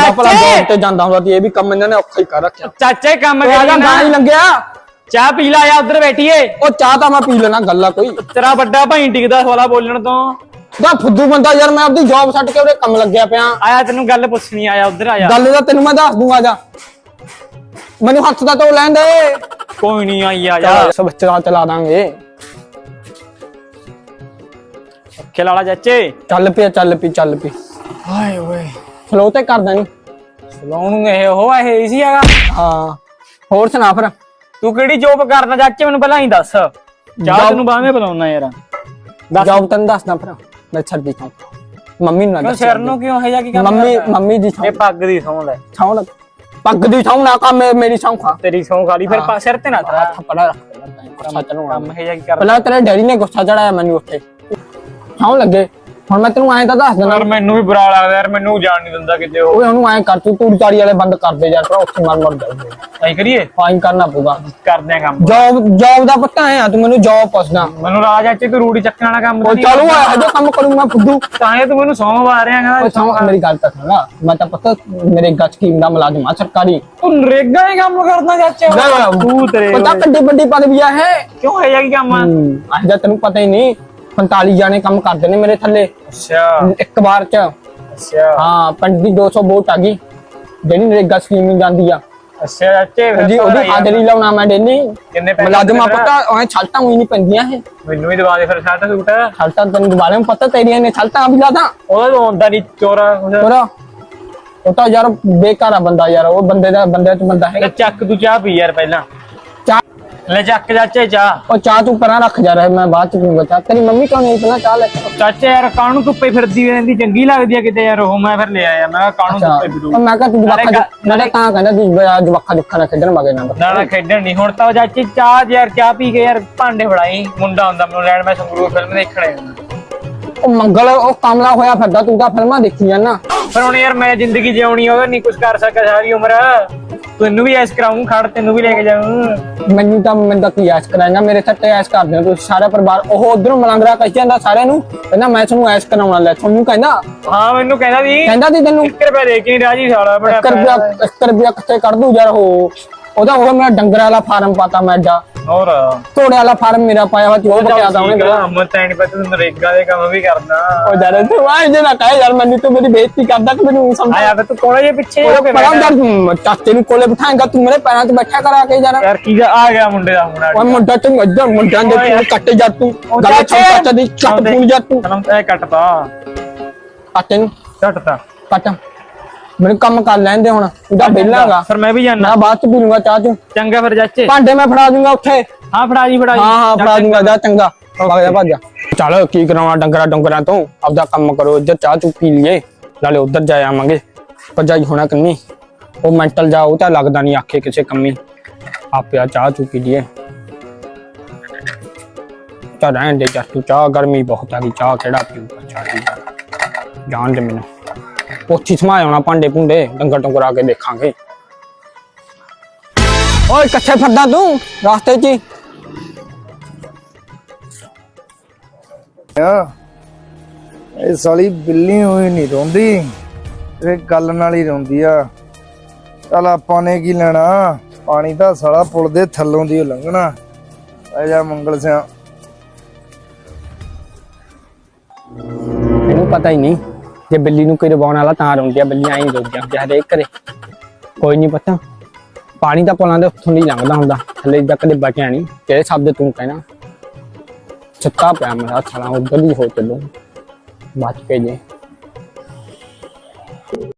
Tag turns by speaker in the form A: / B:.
A: ਚੰਗਾ ਭਲਾ ਜੋਬ ਤੇ ਜਾਂਦਾ ਹੁੰਦਾ ਸੀ, ਇਹ ਵੀ ਕੰਮ ਇਹਨਾਂ ਨੇ ਔਖਾ ਹੀ ਕਰ ਰੱਖਿਆ।
B: ਚਾਚੇ ਕੰਮ
A: ਕਰੀ ਨਾ ਹੀ ਲੰਗਿਆ,
B: ਚਾਹ ਪੀ ਲਾ ਆ ਉਧਰ ਬੈਠੀਏ।
A: ਉਹ ਚਾਹ ਤਾਂ ਮੈਂ ਪੀ ਲੈਣਾ, ਗੱਲ ਆ ਕੋਈ।
B: ਤੇਰਾ ਵੱਡਾ ਭਾਈ ਟਿਕਦਾ ਸਵਾਲਾ ਬੋਲਣ ਤੋਂ।
A: ਦਾ ਫੁੱਦੂ ਬੰਦਾ ਯਾਰ, ਮੈਂ ਆਪਣੀ ਜੌਬ ਛੱਡ ਕੇ ਉਹਦੇ ਕੰਮ ਲੱਗਿਆ ਪਿਆ।
B: ਆਇਆ ਤੈਨੂੰ ਗੱਲ ਪੁੱਛਣੀ, ਆਇਆ ਉਧਰ ਆਇਆ।
A: ਗੱਲ ਦਾ ਤੈਨੂੰ ਮੈਂ ਦੱਸ ਦੂੰਗਾ, ਜਾ ਮੈਨੂੰ ਹੱਥ ਦਾ ਧੋ ਲੈਣ ਦੇ।
B: ਕੋਈ ਨਹੀਂ ਆਈ ਆ ਜਾ,
A: ਸਭ ਬੱਚਾ ਚਲਾ ਦਾਂਗੇ।
B: ਅੱਖੇ ਲਾਲਾ ਚਾਚੇ।
A: ਚੱਲ ਪੀ ਚੱਲ ਪੀ ਚੱਲ ਪੀ।
B: ਹਾਏ ਓਏ
A: ਫਲੋ ਤੇ ਕਰਦਾ ਨਹੀਂ
B: ਸਲਾਉਣ ਨੂੰ ਇਹ ਸੀ ਹੈਗਾ।
A: ਹਾਂ ਹੋਰ ਸੁਣਾ ਫਿਰ,
B: ਤੂੰ ਕਿਹੜੀ ਜੋਬ ਕਰਦਾ ਚਾਚੇ, ਮੈਨੂੰ ਪਹਿਲਾਂ ਹੀ ਦੱਸ। ਚਾਹ ਤੈਨੂੰ ਬਾਵੇਂ ਬੁਲਾਉਣਾ ਯਾਰ।
A: ਜੌਬ ਤੈਨੂੰ ਦੱਸਦਾ ਫਿਰ, ਮੈਂ ਛੱਡੀ ਥਾਂ ਮੰਮੀ ਨੂੰ ਨਾ
B: ਸਿਰ ਨੂੰ ਕਿਉਂ ਹੈ ਜਾਂ ਕੀ ਕੰਮ
A: ਮੰਮੀ ਦੀ
B: ਇਹ ਪੱਗ ਦੀ ਸੌਂ ਲੈ।
A: ਛਾਉ ਲੱਗ ਪੱਗ ਦੀ ਛਾਉ ਨਾ ਕੰਮ ਮੇਰੀ ਛਾਉ ਖਾ।
B: ਤੇਰੀ ਸੌਂ ਖਾਲੀ ਫਿਰ ਸਿਰ ਤੇ ਨਾ ਤੇਰਾ
A: ਥੱਪੜਾ ਰੱਖ
B: ਕੰਮ ਹੈ ਜਾਂ ਕੀ ਕਰ।
A: ਪਹਿਲਾਂ ਤੇਰੇ ਡੈਡੀ ਨੇ ਗੁੱਸਾ ਚੜਾਇਆ ਮੈਨੂੰ ਉੱਥੇ, ਛਾਉ ਲੱਗੇ। ਹੁਣ ਮੈਂ ਤੈਨੂੰ ਐਂ ਤਾਂ ਦੱਸ ਦਿੰਦਾ,
B: ਯਾਰ ਮੈਨੂੰ ਵੀ ਬੁਰਾ ਲੱਗਦਾ ਯਾਰ, ਮੈਨੂੰ ਜਾਣ ਨਹੀਂ ਦਿੰਦਾ ਕਿਤੇ।
A: ਓਏ ਉਹਨੂੰ ਐਂ ਕਰ, ਤੂੰ ਤੂੜੀ ਤਾੜੀ ਵਾਲੇ ਬੰਦ ਕਰ ਦੇ ਯਾਰ, ਭਰਾ ਉੱਥੇ ਮਰ ਜਾਊਗੇ।
B: ਐਂ ਕਰੀਏ,
A: ਫਾਈਨ ਕਰਨਾ ਪਊਗਾ।
B: ਕਰਦੇ ਆ ਕੰਮ।
A: ਜੌਬ ਦਾ ਪੱਤਾ ਹੈ, ਤੂੰ ਮੈਨੂੰ ਜੌਬ ਪੁੱਛਦਾ।
B: ਮੈਨੂੰ ਰਾਜ ਚਾਚੇ ਤੂੰ ਰੂੜੀ ਚੱਕਣ ਵਾਲਾ ਕੰਮ
A: ਉਹ ਚਲੋ ਇਹੋ ਕੰਮ ਕਰੂੰ ਮੈਂ ਫੁੱਦੂ।
B: ਤਾਂ ਇਹ ਤੂੰ ਮੈਨੂੰ ਸੌਂ ਆ ਰਿਹਾ।
A: ਮੇਰੀ ਗੱਲ ਤਾਂ ਸੁਣ, ਮੈਂ ਤਾਂ ਪਤਾ ਮੇਰੇ ਗੱਜ ਸਕੀਮ ਦਾ ਮੁਲਾਜ਼ਮ ਆ ਸਰਕਾਰੀ।
B: ਤੂੰ ਨਰੇਗਾ ਹੀ ਕੰਮ ਕਰਦਾ ਚਾਚੇ। ਤੂੰ ਤੇਰੇ
A: ਪਤਾ ਕਿੱਡੀ ਵੱਡੀ ਪਦਵੀ ਆ ਹੈ।
B: ਕਿਉਂ ਹੈ ਜਾਂ ਕੀ ਕੰਮ ਆ?
A: ਅੱਜ ਤੈਨੂੰ ਪਤਾ ਹੀ ਨਹੀਂ, 45 ਜਾਣੇ ਕੰਮ ਕਰਦੇ ਨੇ ਮੇਰੇ ਥੱਲੇ
B: ਅੱਛਾ
A: ਇੱਕ ਵਾਰ ਚ।
B: ਅੱਛਾ
A: ਹਾਂ ਪਿੰਡ ਦੀ 200 ਵੋਟ ਆ ਗਈ ਜਿਹੜੀ ਨਰੇਗਾ ਸਕੀਮ ਨੂੰ ਜਾਂਦੀ ਆ।
B: ਅੱਛਾ ਚਾਚੇ
A: ਉਹਦੀ ਹਾਜ਼ਰੀ ਲਾਉਣਾ ਮੈਂ ਡੇਲੀ।
B: ਕਿੰਨੇ ਪੈਸੇ
A: ਮੁਲਾਜ਼ਮਾਂ ਪਤਾ ਉਹ ਛਲਟਾਂ ਉਹੀ ਨਹੀਂ ਪੈਂਦੀਆਂ ਇਹ।
B: ਮੈਨੂੰ ਵੀ ਦਵਾ ਦੇ ਫਿਰ ਸ਼ਰਟ ਸੂਟ।
A: ਛਲਟਾਂ ਤੈਨੂੰ ਦੁਬਾਰੇ ਪਤਾ ਤੇਰੀਆਂ ਨੇ ਛਲਟਾਂ ਵੀ ਲਾਦਾ।
B: ਉਹਦਾ ਤਾਂ ਆਉਂਦਾ ਨਹੀਂ ਚੋਰਾ।
A: ਉਹ ਤਾਂ ਯਾਰ ਬੇਕਾਰ ਆ ਬੰਦਾ ਯਾਰ, ਉਹ ਬੰਦੇ ਚ ਬੰਦਾ ਹੈ।
B: ਚੱਕ ਤੂੰ ਚਾਹ ਪੀ ਯਾਰ ਪਹਿਲਾਂ।
A: ਚਾਹ
B: ਲੈ ਚੱਕ ਚਾਚੇ ਚਾਹ।
A: ਉਹ ਚਾਹ ਤੂੰ ਪਰਾਂ ਰੱਖ ਜਾ ਰਿਹਾ, ਮੈਂ ਬਾਅਦ ਚ ਪੀਊਂਗਾ ਚਾਹ। ਤੇਰੀ ਮੰਮੀ ਕਿਉਂ ਨਹੀਂ ਪਹਿਲਾਂ ਚਾਹ ਲੈ ਕੇ?
B: ਚਾਚੇ ਯਾਰ ਕਾਹਨੂੰ ਧੁੱਪੇ ਫਿਰਦੀ ਰਹਿੰਦੀ, ਚੰਗੀ ਲੱਗਦੀ ਆ ਕਿਤੇ ਯਾਰ ਉਹ। ਮੈਂ ਫਿਰ ਲੈ ਆਇਆ, ਮੈਂ ਕਾਹਨੂੰ ਧੁੱਪੇ ਫਿਰੂ।
A: ਮੈਂ ਕਿਹਾ ਤੂੰ ਜਵਾਖਾ ਮੈਂ ਤਾਂ ਕਹਿੰਦਾ ਤੂੰ ਜਵਾਖਾ ਜੁੱਖਾ ਨਾ ਖੇਡਣ ਮਗੇ
B: ਨਾ ਖੇਡਣ ਨਹੀਂ। ਹੁਣ ਤਾਂ ਚਾਚੀ ਚਾਹ ਯਾਰ ਚਾਹ ਪੀ ਕੇ ਯਾਰ ਭਾਂਡੇ ਫੜਾਈ। ਮੁੰਡਾ ਹੁੰਦਾ ਮੈਨੂੰ ਲੈਣ, ਮੈਂ ਸੰਗਰੂਰ ਫਿਲਮ ਦੇਖਣੇ।
A: ਉਹ ਮੰਗਲ ਉਹ ਕਾਮਲਾ ਹੋਇਆ ਫਿਰਦਾ, ਤੂੰ ਤਾਂ ਫਿਲਮਾਂ ਦੇਖੀ ਜਾਂਦਾ।
B: ਪਰ ਹੁਣ ਯਾਰ ਮੈਂ ਜ਼ਿੰਦਗੀ ਜਿਉਣੀ ਉਹਦਾ ਨਹੀਂ ਕੁਝ ਕਰ ਸਕਿਆ ਸਾਰੀ ਉਮਰ। ਤੈਨੂੰ ਵੀ ਐਸ ਕਰਾਉਂ, ਖੜ ਤੈਨੂੰ ਵੀ ਲੈ ਕੇ ਜਾਊਂ।
A: ਮੈਨੂੰ ਤਾਂ ਕੀ ਐਸ਼ ਕਰਾਏਗਾ, ਮੇਰੇ ਸੱਟੇ ਐਸ਼ ਕਰਦੇ ਹੋ ਤੁਸੀਂ ਸਾਰਾ ਪਰਿਵਾਰ। ਉਹ ਉਧਰੋਂ ਮਲੰਗਰਾ ਕਹੀ ਜਾਂਦਾ ਸਾਰਿਆਂ ਨੂੰ, ਕਹਿੰਦਾ ਮੈਂ ਤੁਹਾਨੂੰ ਐਸ਼ ਕਰਾਉਣਾ। ਲੈ ਤੁਹਾਨੂੰ ਕਹਿੰਦਾ।
B: ਹਾਂ ਮੈਨੂੰ ਕਹਿੰਦਾ ਸੀ
A: ਤੈਨੂੰ
B: 1 ਰੁਪਏ ਦੇ ਕੇ ਰਾਜੀ ਸਾਲਾ ਬੜਾ
A: 1 ਰੁਪਇਆ ਕਿੱਥੇ ਕੱਢ ਦੂ ਯਾਰ। ਉਹਦਾ ਮੇਰਾ ਡੰਗਰ ਵਾਲਾ ਫਾਰਮ ਪਾਤਾ ਮੈਂ ਜਾ,
B: ਹੋਰ
A: ਘੋੜੇ ਵਾਲਾ ਫਾਰਮ ਮੇਰਾ ਪਾਇਆ ਵਾ, ਉਹ ਬਕਿਆ ਦਾ ਉਹਨੇ।
B: ਮੈਂ ਤਾਂ ਨਹੀਂ ਪਤਾ ਤੂੰ ਨਰੇਗਾ ਦੇ ਕੰਮ ਵੀ ਕਰਦਾ।
A: ਉਹ ਯਾਰ ਤੂੰ ਆਏ ਜੇ ਨਾ ਕਹੇ ਯਾਰ, ਮੈਨੂੰ ਤੂੰ ਮੇਰੀ ਬੇਇੱਜ਼ਤੀ ਕਰਦਾ ਕਿ ਮੈਨੂੰ ਸਮਝ
B: ਆਇਆ ਵੇ। ਤੂੰ ਕੋਲੇ ਜੇ ਪਿੱਛੇ
A: ਚਾਚੇ ਨੂੰ ਕੋਲੇ ਬਿਠਾਏਗਾ, ਤੂੰ ਮੇਰੇ ਪੈਰਾਂ 'ਚ ਬੈਠਾ ਕਰਾ ਕੇ ਯਾਰ
B: ਕੀ ਆ ਗਿਆ ਮੁੰਡੇ ਦਾ ਮੁੰਡਾ।
A: ਓਏ ਮੁੰਡਾ ਤੂੰ ਇੱਧਰ ਮੁੰਡਿਆਂ ਦੇ ਕੱਟ ਜਾ, ਤੂੰ ਗੱਲ ਚਾਚਾ ਦੀ ਚੱਟ ਪੂਣ ਜਾ ਤੂੰ।
B: ਇਹ ਕੱਟਦਾ
A: ਕੱਟ ਨੂੰ
B: ਕੱਟਦਾ
A: ਕੱਟ, ਮੈਨੂੰ ਕੰਮ ਕਰ ਲੈਂਦੇ ਹੁਣ। ਉਹਦਾ ਬੇਲਾਂਗਾ
B: ਫਿਰ ਮੈਂ ਵੀ ਜਾਣਾ,
A: ਮੈਂ ਬਾਅਦ ਚ ਪੀ ਲੂੰਗਾ ਚਾਹ ਤੂੰ।
B: ਚੰਗਾ ਫਿਰ ਚਾਚੇ,
A: ਭਾਂਡੇ ਮੈਂ ਫੜਾ ਦੂੰਗਾ ਉੱਥੇ।
B: ਹਾਂ ਫੜਾ ਜੀ
A: ਹਾਂ ਫੜਾ ਦੂੰਗਾ, ਜਾ ਚੰਗਾ ਭੱਜ ਜਾ। ਚੱਲ ਕੀ ਕਰਾਉਣਾ ਡੰਗਰਾਂ ਤੋਂ, ਆਪਦਾ ਕੰਮ ਕਰੋ। ਇੱਧਰ ਚਾਹ ਚੂ ਪੀ ਲਈਏ, ਨਾਲੇ ਉੱਧਰ ਜਾ ਆਵਾਂਗੇ। ਭਰਜਾਈ ਹੋਣਾ ਕੰਨੀ ਉਹ ਮੈਂਟਲ ਜਾ, ਉਹ ਤਾਂ ਲੱਗਦਾ ਨਹੀਂ ਆਖੇ ਕਿਸੇ ਕੰਮੀ। ਆਪਿਆ ਚਾਹ ਚੂ ਪੀ ਲਈਏ। ਚੱਲ ਰਹਿਣ ਦੇ ਜਾ ਤੂੰ, ਚਾਹ ਗਰਮੀ ਬਹੁਤ ਆ ਗਈ, ਚਾਹ ਕਿਹੜਾ ਪੀਊਗਾ ਚਾਹ। ਜਾਣ ਦੇ ਮੈਨੂੰ ਉੱਥੇ ਸਮਾ ਆਉਣਾ, ਭਾਂਡੇ ਭੁੰਡੇ ਡੰਗਰ ਆ ਕੇ ਦੇਖਾਂਗੇ। ਓਏ ਕਿੱਥੇ ਫਿਰਦਾ ਤੂੰ ਰਾਸਤੇ 'ਚ ਹੀ?
C: ਇਹ ਸਾਲੀ ਬਿੱਲੀ ਹੋਈ ਨਹੀਂ ਰੋਂਦੀ, ਇਹ ਗੱਲ ਨਾਲ ਹੀ ਰੋਂਦੀ ਆ। ਚੱਲ ਆਪਾਂ ਨੇ ਕੀ ਲੈਣਾ, ਪਾਣੀ ਤਾਂ ਸਾਲਾ ਪੁਲ ਦੇ ਥੱਲੋਂ ਦੀ ਲੰਘਣਾ। ਆ ਜਾ ਮੰਗਲ ਸਿਆ।
A: ਮੈਨੂੰ ਪਤਾ ਹੀ ਨਹੀਂ, ਜੇ ਬਿੱਲੀ ਨੂੰ ਕੋਈ ਰਵਾਉਣ ਵਾਲਾ ਤਾਂ ਰੋਂਦੀ ਆ। ਬਿੱਲੀ ਐਂ ਰੋਂਦੀਆਂ ਹਰੇਕ ਘਰੇ, ਕੋਈ ਨਹੀਂ ਪਤਾ। ਪਾਣੀ ਤਾਂ ਪੁਲਾਂ ਦੇ ਉੱਥੋਂ ਨਹੀਂ ਲੰਘਦਾ ਹੁੰਦਾ, ਥੱਲੇ ਤੱਕ ਕਦੇ ਬਚਿਆ ਨਹੀਂ। ਕਿਹੜੇ ਸ਼ਬਦ ਤੂੰ ਕਹਿਣਾ, ਛੱਤਾ ਪਿਆ ਮੇਰਾ ਥਾਣਾ, ਉੱਧਰ ਹੀ ਹੋ ਚੱਲੂ ਬਚ ਕੇ ਜੇ।